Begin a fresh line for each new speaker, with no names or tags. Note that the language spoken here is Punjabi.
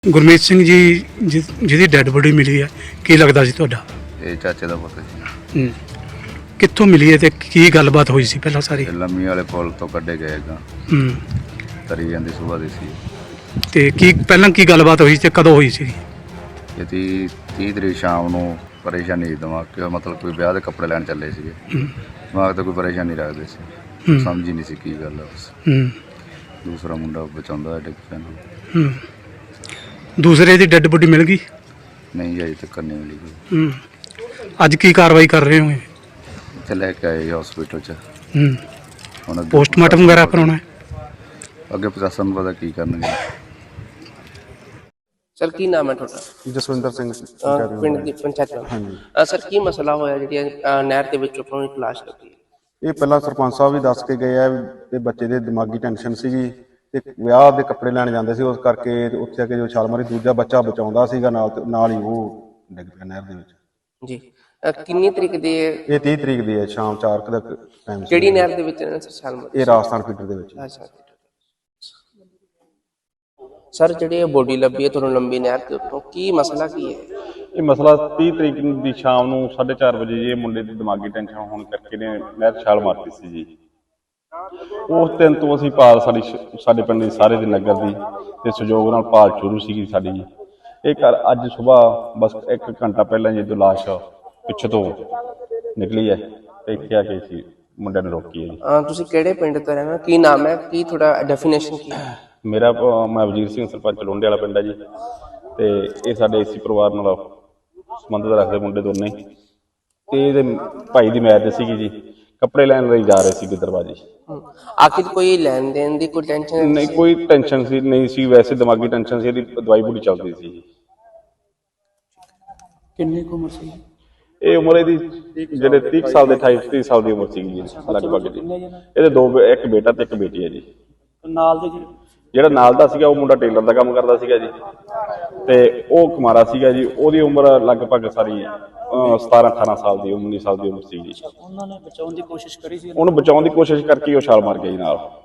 ਗੁਰਮੀਤ ਸਿੰਘ ਜੀ ਜਿਹਦੀ ਡੈੱਡ ਬੋਡੀ ਮਿਲੀ ਹੈ, ਕੀ ਲੱਗਦਾ ਸੀ ਤੁਹਾਡਾ?
ਇਹ ਚਾਚੇ ਦਾ ਪੁੱਤ ਸੀ।
ਕਿੱਥੋਂ ਮਿਲੀ ਹੈ ਤੇ ਕੀ ਗੱਲਬਾਤ ਹੋਈ ਸੀ ਪਹਿਲਾਂ ਸਾਰੀ?
ਇਹ ਲੰਮੀ ਵਾਲੇ ਪੁਲ ਤੋਂ ਕੱਢੇ ਗਏ ਗਾ, ਤਰੀ ਜਾਂਦੀ ਸੁਬਾਹ ਦੀ ਸੀ।
ਤੇ ਕੀ ਪਹਿਲਾਂ ਕੀ ਗੱਲਬਾਤ ਹੋਈ ਤੇ ਕਦੋਂ ਹੋਈ ਸੀ?
ਇਹ 30 ਤਰੀਕ ਸ਼ਾਮ ਨੂੰ ਪਰੇਸ਼ਾਨੀ ਦਿਮਾਗ ਕਿ ਮਤਲਬ ਕੋਈ ਵਿਆਹ ਦੇ ਕੱਪੜੇ ਲੈਣ ਚੱਲੇ ਸੀਗੇ। ਦਿਮਾਗ ਤੇ ਕੋਈ ਪਰੇਸ਼ਾਨੀ ਰੱਖਦੇ ਸੀ, ਸਮਝ ਹੀ ਨਹੀਂ ਸੀ ਕੀ ਗੱਲ ਹੈ। ਬਸ ਦੂਸਰਾ ਮੁੰਡਾ ਬਚਾਉਂਦਾ ਡਿੱਗ ਪਿਆ ਨੂੰ।
ਦੂਸਰੇ ਦੀ ਡੈੱਡ ਬੋਡੀ ਮਿਲ ਗਈ?
ਨਹੀਂ ਅਜੇ ਤੱਕ ਨਹੀਂ ਮਿਲੀ ਕੋਈ।
ਅੱਜ ਕੀ ਕਾਰਵਾਈ ਕਰ ਰਹੇ ਹੋ?
ਇੱਥੇ ਲੈ ਕੇ ਆਏ ਹਸਪੀਟਲ 'ਚ। ਹੁਣ
ਪੋਸਟਮਾਰਟਮ ਵਗੈਰਾ ਕਰਾਉਣਾ ਹੈ?
ਅੱਗੇ ਪ੍ਰਸ਼ਾਸਨ ਨੂੰ ਪਤਾ ਕੀ ਕਰਨਗੇ।
ਸਰ ਕੀ ਨਾਮ ਹੈ ਤੁਹਾਡਾ?
ਜਸਵਿੰਦਰ ਸਿੰਘ
ਪਿੰਡ ਦੀ ਪੰਚਾਇਤ ਮੈਂਬਰ।
ਹਾਂਜੀ
ਸਰ ਕੀ ਮਸਲਾ ਹੋਇਆ ਜਿਹੜੀ ਨਹਿਰ ਦੇ ਵਿੱਚ ਆਪਣੀ ਤਲਾਸ਼ ਲੱਗੀ?
ਇਹ ਪਹਿਲਾਂ ਸਰਪੰਚ ਸਾਹਿਬ ਵੀ ਦੱਸ ਕੇ ਗਏ ਆ ਵੀ ਬੱਚੇ ਦੇ ਦਿਮਾਗੀ ਟੈਨਸ਼ਨ ਸੀਗੀ ਤੇ ਵਿਆਹ ਦੇ ਕੱਪੜੇ ਲੈਣ ਜਾਂਦੇ ਸੀ, ਉਸ ਕਰਕੇ ਉੱਥੇ ਆ ਕੇ ਜੋ ਛਾਲ ਮਾਰੀ, ਦੂਜਾ ਬੱਚਾ ਬਚਾਉਂਦਾ ਸੀਗਾ ਨਾਲ ਹੀ ਉਹ ਡਿੱਗ ਪਿਆ ਨਹਿਰ ਦੇ ਵਿੱਚ।
ਜੀ ਕਿੰਨੀ ਤਰੀਕ ਦੀ
ਇਹ 30 ਤਰੀਕ ਦੀ ਹੈ, ਸ਼ਾਮ 4 ਦਾ ਟਾਈਮ।
ਕਿਹੜੀ ਨਹਿਰ ਦੇ ਵਿੱਚ ਛਾਲ ਮਾਰੀ?
ਇਹ ਰਾਜਸਥਾਨ ਫੀਡਰ ਦੇ ਵਿੱਚ।
ਅੱਛਾ ਸਰ ਜਿਹੜੀ ਬੋਡੀ ਲੱਭੀ ਹੈ ਤੁਹਾਨੂੰ ਲੰਬੀ ਨਹਿਰ ਦੇ ਉੱਤੋਂ, ਕੀ ਮਸਲਾ ਕੀ ਹੈ?
ਇਹ ਮਸਲਾ 30 ਤਰੀਕ ਦੀ ਸ਼ਾਮ ਨੂੰ 4:30 ਵਜੇ ਇਹ ਮੁੰਡੇ ਦੀ ਦਿਮਾਗੀ ਟੈਨਸ਼ਨ ਹੋਣ ਕਰਕੇ ਨੇ ਨਹਿਰ ਛਾਲ ਮਾਰਤੀ ਸੀ ਜੀ। ਉਸ ਦਿਨ ਤੋਂ ਅਸੀਂ ਭਾਲ ਸਾਡੇ ਪਿੰਡ ਦੇ ਸਾਰੇ ਦੇ ਨਗਰ ਦੀ ਤੇ ਸਹਿਯੋਗ ਨਾਲ ਭਾਲ ਸ਼ੁਰੂ ਸੀਗੀ ਸਾਡੀ ਜੀ। ਇਹ ਘਰ ਅੱਜ ਸਵੇਰ ਬਸ 1 ਘੰਟਾ ਪਹਿਲਾਂ ਜਦੋਂ ਲਾਸ਼ ਪਿੱਛੇ ਤੋਂ ਨਿਕਲੀ ਹੈ ਤੇ ਇੱਥੇ ਆ ਕੇ ਸੀ ਮੁੰਡੇ ਨੂੰ ਰੋਕੀ ਹੈ ਜੀ।
ਤੁਸੀਂ ਕਿਹੜੇ ਪਿੰਡ ਤੋਂ ਰਹਿਣਾ, ਕੀ ਨਾਮ ਹੈ, ਕੀ ਤੁਹਾਡਾ ਡੈਫੀਨੇਸ਼ਨ ਕੀ ਹੈ?
ਮੇਰਾ ਮੈਂ ਵਜੀਰ ਸਿੰਘ ਸਰਪੰਚ ਲੋਂਡੇ ਵਾਲਾ ਪਿੰਡ ਹੈ ਜੀ। ਤੇ ਇਹ ਸਾਡੇ ਏਸੀ ਪਰਿਵਾਰ ਨਾਲ ਸੰਬੰਧ ਰੱਖਦੇ ਮੁੰਡੇ ਦੋਨੇ। ਤੇ ਇਹਦੇ ਭਾਈ ਦੀ ਮੈਰਿਜ ਸੀਗੀ ਜੀ, ਕੱਪੜੇ ਲੈਣ ਲਈ ਜਾ ਰਹੇ ਸੀ ਦਰਵਾਜ਼ੇ।
ਆਖਿਰ ਕੋਈ ਲੈਣ ਦੇਣ ਦੀ ਕੋਈ ਟੈਨਸ਼ਨ
ਨਹੀਂ, ਕੋਈ ਟੈਨਸ਼ਨ ਸੀ ਨਹੀਂ ਸੀ, ਵੈਸੇ ਦਿਮਾਗੀ ਟੈਨਸ਼ਨ ਸੀ, ਇਹਦੀ ਦਵਾਈ ਬੂਟੀ ਚੱਲਦੀ ਸੀ ਜੀ।
ਕਿੰਨੀ ਉਮਰ ਸੀ
ਇਹ ਉਮਰ ਇਹਦੀ ਜਿਹੜੇ 30 ਸਾਲ ਦੇ 28-30 ਸਾਲ ਦੀ ਉਮਰ ਸੀਗੀ ਜੀ ਲਗਭਗ ਜੀ। ਇਹਦੇ ਇੱਕ ਬੇਟਾ ਤੇ ਇੱਕ ਬੇਟੀ ਹੈ ਜੀ।
ਨਾਲ ਦੇ
ਜਿਹੜਾ ਨਾਲ ਦਾ ਸੀਗਾ ਉਹ ਮੁੰਡਾ ਟੇਲਰ ਦਾ ਕੰਮ ਕਰਦਾ ਸੀਗਾ ਜੀ, ਤੇ ਉਹ ਕੁਮਾਰਾ ਸੀਗਾ ਜੀ। ਉਹਦੀ ਉਮਰ ਲਗਭਗ ਸਾਰੀ 17-18 ਸਾਲ ਦੀ 19 ਸਾਲ ਦੀ ਉਮਰ ਸੀ ਜੀ।
ਉਹਨਾਂ ਨੇ ਬਚਾਉਣ ਦੀ ਕੋਸ਼ਿਸ਼ ਕਰੀ ਸੀ?
ਉਹਨੂੰ ਬਚਾਉਣ ਦੀ ਕੋਸ਼ਿਸ਼ ਕਰਕੇ ਉਹ ਛਾਲ ਮਾਰ ਗਿਆ ਜੀ ਨਾਲ।